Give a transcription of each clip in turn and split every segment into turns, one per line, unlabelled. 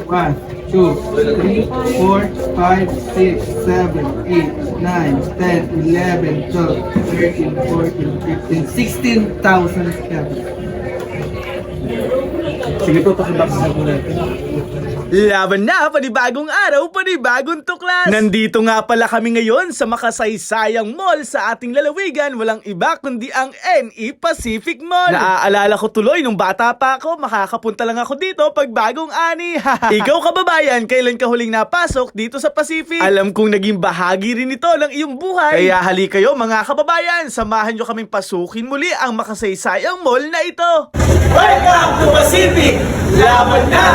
1, 2, 3, 4, 5, 6, 7, 8, 9, 10, 11, 12, 13, 14, 15, 16,000 pesos. Sige po, pakibox na po natin.
Laban na, panibagong araw, panibagong tuklas! Nandito nga pala kami ngayon sa makasaysayang mall sa ating lalawigan, walang iba kundi ang NE Pacific Mall. Naaalala ko tuloy nung bata pa ako, makakapunta lang ako dito pag bagong ani. Ikaw kababayan, kailan ka huling napasok dito sa Pacific? Alam kong naging bahagi rin ito ng iyong buhay. Kaya hali kayo mga kababayan, samahan nyo kaming pasukin muli ang makasaysayang mall na ito. Welcome to Pacific! Laban na!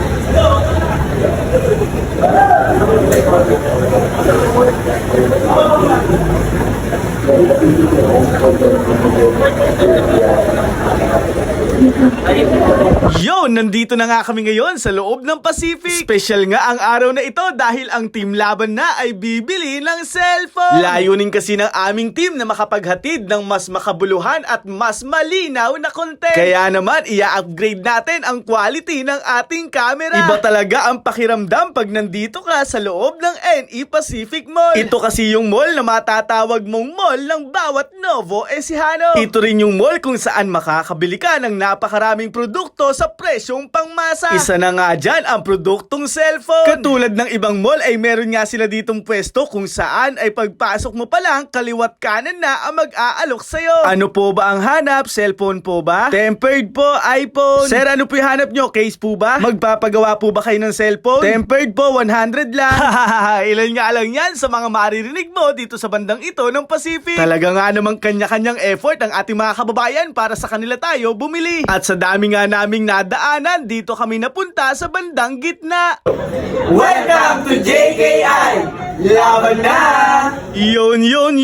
Yo, nandito na nga kami ngayon sa loob ng Pacific. Special nga ang araw na ito dahil ang Team Laban na ay bibili ng cellphone. Layunin kasi ng aming team na makapaghatid ng mas makabuluhan at mas malinaw na content. Kaya naman, i-upgrade natin ang quality ng ating camera. Iba talaga ang pakiramdam pag nandito ka sa loob ng NE Pacific Mall. Ito kasi yung mall na matatawag mong mall ng bawat Novo Ecijano. Ito rin yung mall kung saan makakabili ka ng napakaraming produkto sa presyong pangmasa. Isa na nga dyan ang produktong cellphone. Katulad ng ibang mall ay meron nga sila ditong pwesto kung saan ay pagpasok mo pa lang kaliwat kanan na ang mag-aalok sa'yo. Ano po ba ang hanap? Cellphone po ba? Tempered po, iPhone. Sir, ano po yung hanap nyo? Case po ba? Magpapagawa po ba kayo ng cellphone? Tempered po, 100 lang. Ilan nga lang yan sa mga maririnig mo dito sa bandang ito ng Pacific. Talaga nga namang kanya-kanyang effort ang ating mga kababayan para sa kanila tayo bumili. At sa dami nga naming nadaanan, dito kami napunta sa bandang gitna. Welcome to JKI! Laban na! Yun!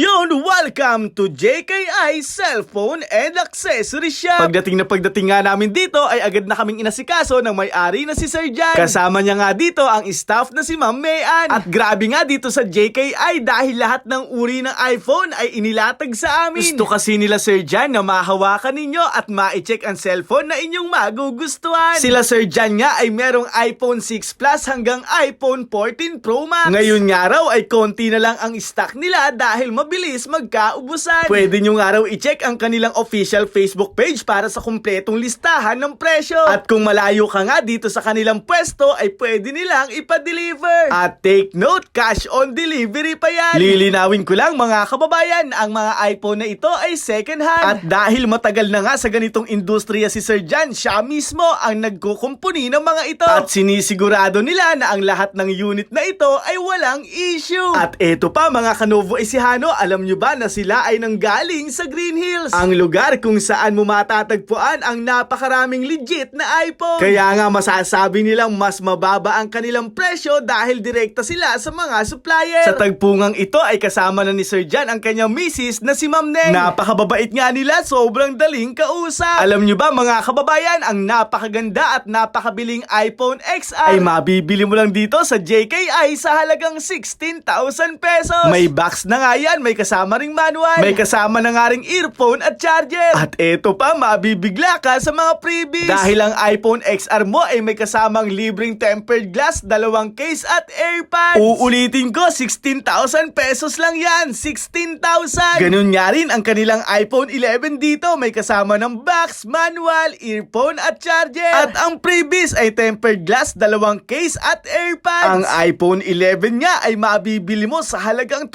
Welcome to JKI Cellphone and Accessory Shop. Pagdating nga namin dito ay agad na kaming inasikaso ng may-ari na si Sir Jan. Kasama niya nga dito ang staff na si Ma'am Mayan. At grabe nga dito sa JKI dahil lahat ng uri ng iPhone ay inilatag sa amin. Gusto kasi nila Sir Jan na mahawakan ninyo at ma-check ang cellphone na inyong magugustuhan. Sila Sir Jan nga ay merong iPhone 6 Plus hanggang iPhone 14 Pro Max. Ngayon nga raw ay konti na lang ang stock nila dahil mabilis magkaubusan. Pwede nyo nga raw i-check ang kanilang official Facebook page para sa kumpletong listahan ng presyo. At kung malayo ka nga dito sa kanilang pwesto ay pwede nilang ipa-deliver. At take note, cash on delivery pa yan. Lilinawin ko lang mga kababayan, ang mga iPhone na ito ay second hand. At dahil matagal na nga sa ganitong industriya si Sir Jan, siya mismo ang nagkukumpuni ng mga ito. At sinisigurado nila na ang lahat ng unit na ito ay walang issue. At eto pa mga Kanovo Ecijano, alam nyo ba na sila ay nanggaling sa Green Hills? Ang lugar kung saan mo matatagpuan ang napakaraming legit na iPhone. Kaya nga masasabi nilang mas mababa ang kanilang presyo dahil direkta sila sa mga supplier. Sa tagpungang ito ay kasama na ni Sir Jan ang kanyang misis na si Ma'am Neng. Napakababait nga nila, sobrang daling kausap. Alam nyo ba mga kababayan, ang napakaganda at napakabiling iPhone XR ay mabibili mo lang dito sa JKI sa halagang 16,000 pesos. May box na nga yan, may kasama ring manual, may kasama na nga ring earphone at charger. At eto pa, mabibigla ka sa mga freebies. Dahil ang iPhone XR mo ay may kasamang libreng tempered glass, 2 case at AirPods. Uulitin ko, 16,000 pesos lang yan. 16,000. Ganun nga rin ang kanilang iPhone 11 dito, may kasama ng box, manual, earphone at charger. At ang freebies ay tempered glass, 2 case at AirPods. Ang iPhone 11 nga ay mabibili mo sa halagang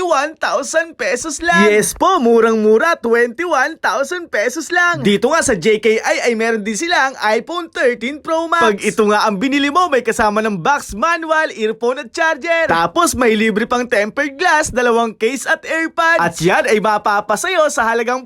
21,000 pesos lang. Yes po, murang-mura, 21,000 pesos lang. Dito nga sa JKI ay meron din sila ang iPhone 13 Pro Max. Pag ito nga ang binili mo, may kasama ng box, manual, earphone at charger. Tapos may libre pang tempered glass, 2 case at AirPods. At yan ay mapapasayo sa halagang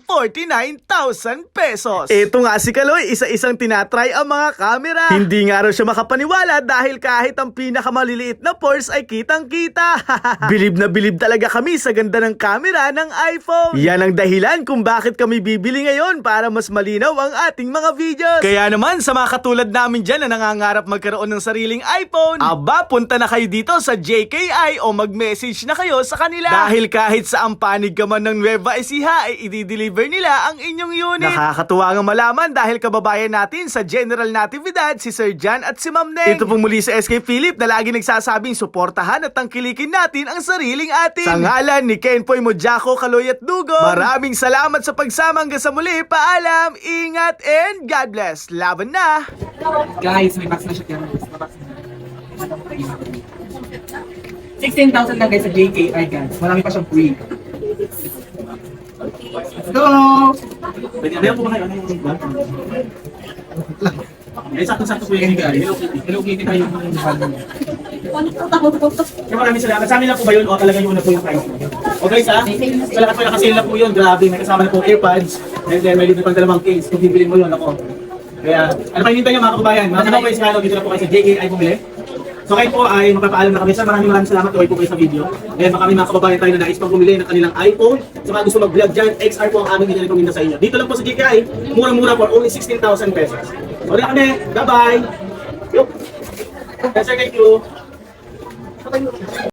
49,000 pesos. Ito nga si Kaloy, isa-isang tinatry ang mga camera. Hindi nga raw siya makapaniwala dahil kahit ang pinakamaliliit na pores ay kitang-kita. Bilib na bilib talaga kami sa ganda ng camera ng iPhone. Yan ang dahilan kung bakit kami bibili ngayon para mas malinaw ang ating mga videos. Kaya naman sa mga katulad namin dyan na nangangarap magkaroon ng sariling iPhone, aba, punta na kayo dito sa JKI o mag-message na kayo sa kanila. Dahil kahit sa panig ka man ng Nueva Ecija ay i-deliver nila ang inyong unit. Nakakatuwa nga malaman dahil kababayan natin sa Gen General Natividad, si Sir Jan at si Ma'am Neng. Ito po muli sa SK Philip na lagi nagsasabing suportahan at tangkilikin natin ang sariling atin. Sa ngalan ni Kenpoy Mojako, Kaloy at Dugo, maraming salamat sa pagsama hanggang sa muli. Paalam, ingat, and God bless. Laban na!
Guys, may box na siya. 16,000 lang guys sa JKI guys. Marami pa siyang free. Let's go!
Pwede po kayo. Sakto-sakto po yun guys.
Hello Kitty pa yung
Kaya maraming salamat. Sa amin lang po ba yun o talaga yun na po yung price? O guys ha? Sa lahat po nakasale na po yun. Grabe, may kasama na po AirPods. And then may libre pang dalawang case. Kung bibili mo yun ako. Kaya ano pa hinintay nyo mga kababayan? Mga kababayan sa dito na po kayo sa JKI bumili. So kayo po ay magpapaalam na kami sa maraming salamat tuloy po kayo sa video. Ngayon baka may mga kababayan tayo na nais pang bumili ng kanilang iPhone. Sa mga gusto mag-vlog dyan, XR po ang aming inirekomenda sa inyo. Dito lang po sa JKI, murang-mura for only 16,000 pesos. So na kami, bye-bye! Yes sir, thank you!